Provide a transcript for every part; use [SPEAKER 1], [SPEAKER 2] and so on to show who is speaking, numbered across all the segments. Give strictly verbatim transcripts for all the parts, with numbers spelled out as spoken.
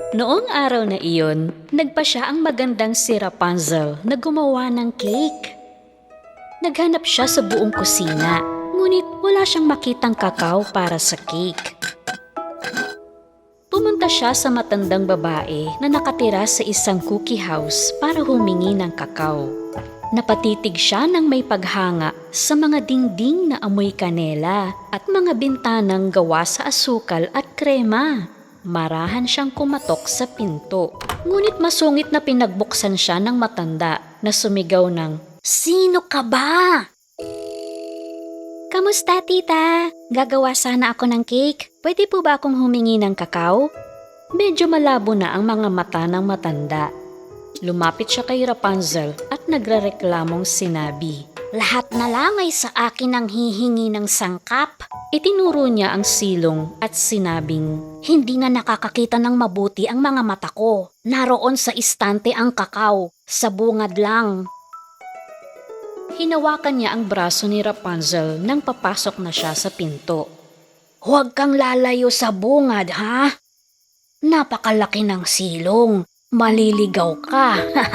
[SPEAKER 1] Noong araw na iyon, nagpa siya ang magandang si Rapunzel na gumawa ng cake. Naghanap siya sa buong kusina, ngunit wala siyang makitang kakao para sa cake. Pumunta siya sa matandang babae na nakatira sa isang cookie house para humingi ng kakao. Napatitig siya ng may paghanga sa mga dingding na amoy kanela at mga bintanang gawa sa asukal at krema. Marahan siyang kumatok sa pinto. Ngunit masungit na pinagbuksan siya ng matanda na sumigaw ng, "Sino ka ba?" "Kamusta, tita? Gagawa sana ako ng cake. Pwede po ba akong humingi ng kakao?" Medyo malabo na ang mga mata ng matanda. Lumapit siya kay Rapunzel at nagrereklamong sinabi, "Lahat na lang ay sa akin ang hihingi ng sangkap." Itinuro niya ang silong at sinabing, "Hindi nga nakakakita ng mabuti ang mga mata ko. Naroon sa istante ang kakao, sa bungad lang." Hinawakan niya ang braso ni Rapunzel nang papasok na siya sa pinto. "Huwag kang lalayo sa bungad, ha? Napakalaki ng silong. Maliligaw ka."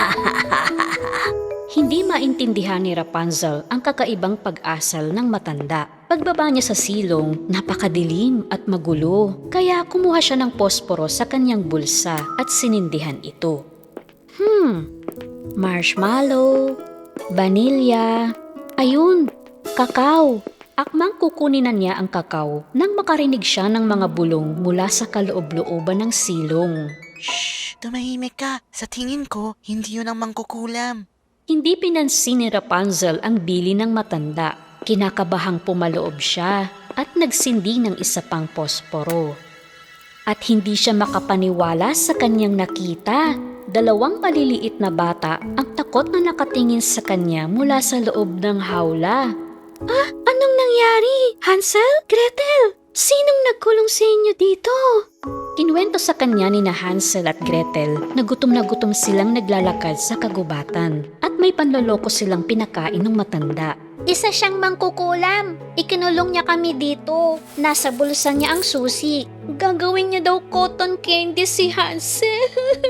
[SPEAKER 1] Hindi maintindihan ni Rapunzel ang kakaibang pag-asal ng matanda. Pagbaba niya sa silong, napakadilim at magulo. Kaya kumuha siya ng posporo sa kanyang bulsa at sinindihan ito. Hmm, marshmallow, vanilya, ayun, kakao. Akmang kukunin na niya ang kakao nang makarinig siya ng mga bulong mula sa kaloob-looban ng silong.
[SPEAKER 2] Shh! Tumahimik ka. Sa tingin ko, hindi yun ang mangkukulam.
[SPEAKER 1] Hindi pinansin ni Rapunzel ang bili ng matanda. Kinakabahang pumaloob siya at nagsindi ng isa pang posporo. At hindi siya makapaniwala sa kanyang nakita. Dalawang maliliit na bata ang takot na nakatingin sa kanya mula sa loob ng hawla. "Ah, anong nangyari? Hansel? Gretel? Sinong nagkulong sa inyo dito?" Kinuwento sa kanya ni na Hansel at Gretel na gutom na gutom silang naglalakad sa kagubatan at may panloloko silang pinakain ng matanda. "Isa siyang mangkukulam. Ikinulong niya kami dito. Nasa bulsa niya ang susi. Gagawin niya daw cotton candy si Hansel."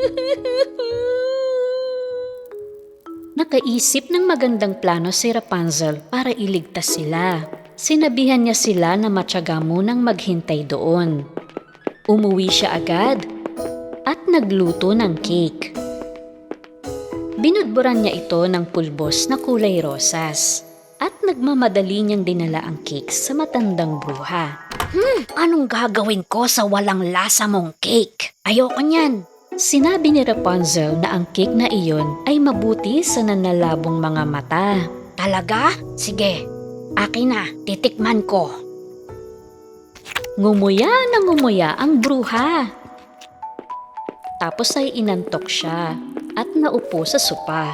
[SPEAKER 1] Nakaisip ng magandang plano si Rapunzel para iligtas sila. Sinabihan niya sila na matyaga munang maghintay doon. Umuwi siya agad at nagluto ng cake. Binudburan niya ito ng pulbos na kulay rosas at nagmamadali niyang dinala ang cake sa matandang bruha. "Hmm, anong gagawin ko sa walang lasa mong cake? Ayoko niyan." Sinabi ni Rapunzel na ang cake na iyon ay mabuti sa nanlalabong mga mata. "Talaga? Sige, akin na, titikman ko." Ngumuya na ngumuya ang bruha. Tapos ay inantok siya at naupo sa sopa.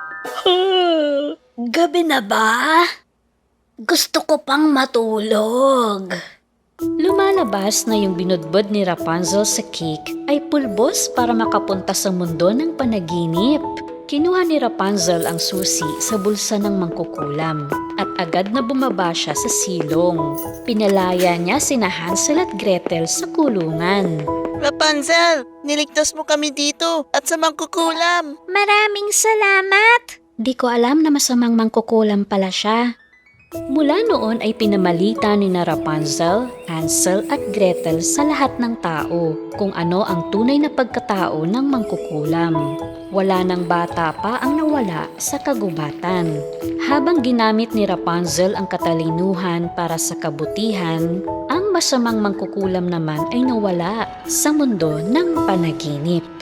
[SPEAKER 1] "Gabi na ba? Gusto ko pang matulog." Lumalabas na yung binudbud ni Rapunzel sa cake ay pulbos para makapunta sa mundo ng panaginip. Kinuha ni Rapunzel ang susi sa bulsa ng mangkukulam at agad na bumaba siya sa silong. Pinalaya niya sina Hansel at Gretel sa kulungan.
[SPEAKER 2] Rapunzel, niligtas mo kami dito at sa mangkukulam.
[SPEAKER 1] "Maraming salamat!" Di ko alam na masamang mangkukulam pala siya. Mula noon ay pinamalita ni na Rapunzel, Hansel at Gretel sa lahat ng tao kung ano ang tunay na pagkatao ng mangkukulam. Wala nang bata pa ang nawala sa kagubatan. Habang ginamit ni Rapunzel ang katalinuhan para sa kabutihan, ang masamang mangkukulam naman ay nawala sa mundo ng panaginip.